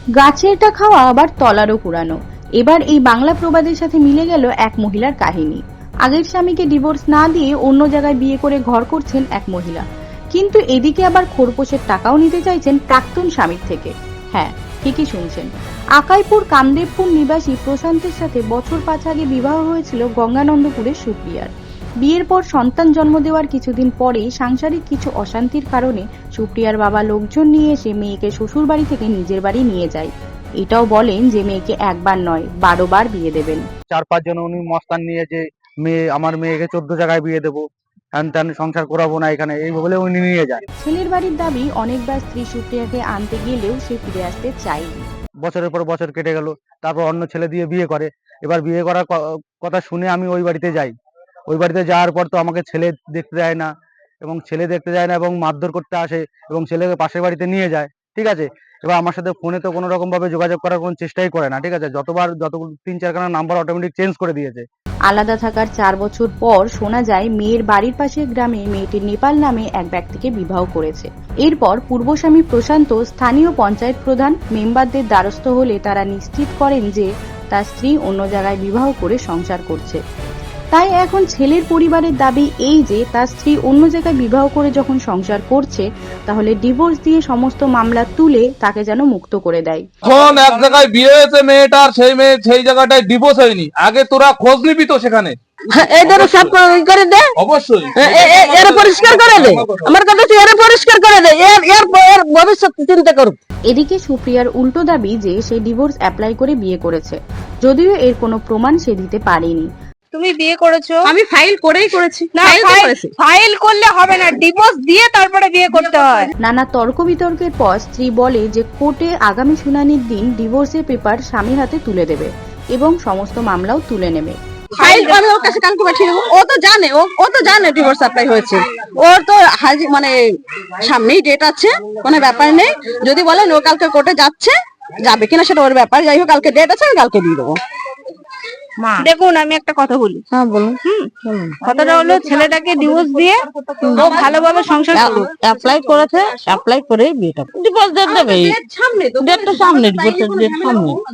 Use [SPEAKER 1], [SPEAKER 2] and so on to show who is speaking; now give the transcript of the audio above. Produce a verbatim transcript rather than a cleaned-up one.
[SPEAKER 1] গাছেরটা খাওয়া আবার তলারও কুড়ানো। এবার এই বাংলা প্রবাদের সাথে মিলে গেল এক মহিলার কাহিনী। আগের স্বামীকে ডিভোর্স না দিয়ে অন্য জায়গায় বিয়ে করে ঘর করছেন এক মহিলা, কিন্তু এদিকে আবার খোরপোশের টাকাও নিতে চাইছেন প্রাক্তন স্বামীর থেকে। হ্যাঁ, ঠিকই শুনছেন। আকাইপুর কামদেবপুর নিবাসী প্রশান্তের সাথে বছর পাঁচ আগে বিবাহ হয়েছিল গঙ্গানন্দপুরের সুপ্রিয়ার। বিয়ের পর সন্তান জন্ম দেওয়ার কিছুদিন পরেই সাংসারিক কিছু অশান্তির কারণে সুপ্রিয়ার বাবা লোকজন নিয়ে এসে মেয়েকে শ্বশুর বাড়ি থেকে নিজের বাড়ি নিয়ে যায়। এটাও বলেন যে মেয়েকে একবার নয় বারো বার বিয়ে দেবেন।
[SPEAKER 2] চার পাঁচ জন উনি মস্তান নিয়ে যে মেয়ে আমার মেয়েকে চোদ্দ জায়গায় বিয়ে দেবো, হ্যান ত্যান সংসার করাবো না এখানে, এই বলে উনি নিয়ে যায়।
[SPEAKER 1] ছেলের বাড়ির দাবি অনেকবার স্ত্রী সুপ্রিয়াকে আনতে গেলেও সে ফিরে আসতে চায়নি।
[SPEAKER 2] বছরের পর বছর কেটে গেল, তারপর অন্য ছেলে দিয়ে বিয়ে করে। এবার বিয়ে করার ক- কথা শুনে আমি ওই বাড়িতে যাই। ওই বাড়িতে যাওয়ার পর তো আমাকে ছেলে দেখতে যায় না, এবং ছেলে দেখতে যায় না এবং মারধর করতে আসে এবং ছেলেকে পাশের বাড়িতে নিয়ে যায়। ঠিক আছে, এবার আমার সাথে ফোনে তো কোনো রকম ভাবে যোগাযোগ করার কোনো চেষ্টাই করে না। ঠিক আছে, যতবার যত তিন চারখানা নাম্বার অটোমেটিক চেঞ্জ করে দিয়েছে।
[SPEAKER 1] আলাদা থাকার চার বছর পর শোনা যায় মেয়ের বাড়ির পাশের গ্রামে মেয়েটি নেপাল নামে এক ব্যক্তিকে বিবাহ করেছে। এরপর পূর্বস্বামী প্রশান্ত স্থানীয় পঞ্চায়েত প্রধান মেম্বারদের দ্বারস্থ হলে তারা নিশ্চিত করেন যে তার স্ত্রী অন্য জায়গায় বিবাহ করে সংসার করছে। তাই এখন ছেলের পরিবারের দাবি এই যে তার স্ত্রী অন্য জায়গায় বিবাহ করে যখন সংসার করছে, তাহলে ডিভোর্স দিয়ে সমস্ত মামলা তুলে তাকে যেন মুক্ত করে দেয়।
[SPEAKER 3] এখন এক জায়গায় বিয়ে হয়েছে মেয়েটার, সেই মেয়ে সেই জায়গাটায় ডিভোর্স হয়নি, আগে তোরা খোঁজ নিবি তো সেখানে।
[SPEAKER 4] এদের সব করে দে,
[SPEAKER 3] অবশ্যই
[SPEAKER 4] এর পরিষ্কার করে দে, আমার কথা হচ্ছে এর পরিষ্কার করে দে, এর এর এর ভবিষ্যৎ চিন্তা করুক।
[SPEAKER 1] এদিকে সুপ্রিয়ার উল্টো দাবি যে সে ডিভোর্স অ্যাপ্লাই করে বিয়ে করেছে, যদিও এর কোনো প্রমাণ সে দিতে পারেনি।
[SPEAKER 5] তুমি বিয়ে করেছো?
[SPEAKER 4] আমি ফাইল করেই করেছি।
[SPEAKER 5] না, ফাইল করলে হবে না, ডিভোর্স দিয়ে তারপরে বিয়ে করতে হয়।
[SPEAKER 1] নানা তর্ক বিতর্কের পর স্ত্রী বলে যে কোর্টে আগামী শুনানির দিন ডিভোর্সের পেপার স্বামীর হাতে তুলে দেবে এবং সমস্ত মামলাও তুলে নেবে।
[SPEAKER 4] ফাইল আমি ওর কাছে কালকে পাঠিয়ে দেবো। ও তো জানে, ও ও তো জানে ডিভোর্স অ্যাপ্লাই হয়েছে। ওর তো হাজি মানে সামনেই ডেট আছে, কোনো ব্যাপার নেই। যদি বলেন ও কালকে কোর্টে যাচ্ছে, যাবে কিনা সেটা ওর ব্যাপার। যাই হোক, কালকে ডেট আছে, আমি কালকে দিয়ে দেবো।
[SPEAKER 5] দেখুন, আমি একটা কথা বলি।
[SPEAKER 4] হ্যাঁ বলুন।
[SPEAKER 5] কথাটা হলো, ছেলেটাকে ডিভোর্স দিয়ে ও ভালোভাবে সংসার করুক।
[SPEAKER 4] অ্যাপ্লাই করেছে, অ্যাপ্লাই করে বিয়েটা ডিভোর্স ডেট দেবে। ডেটটা সামনে, ডিভোর্সের ডেট সামনে।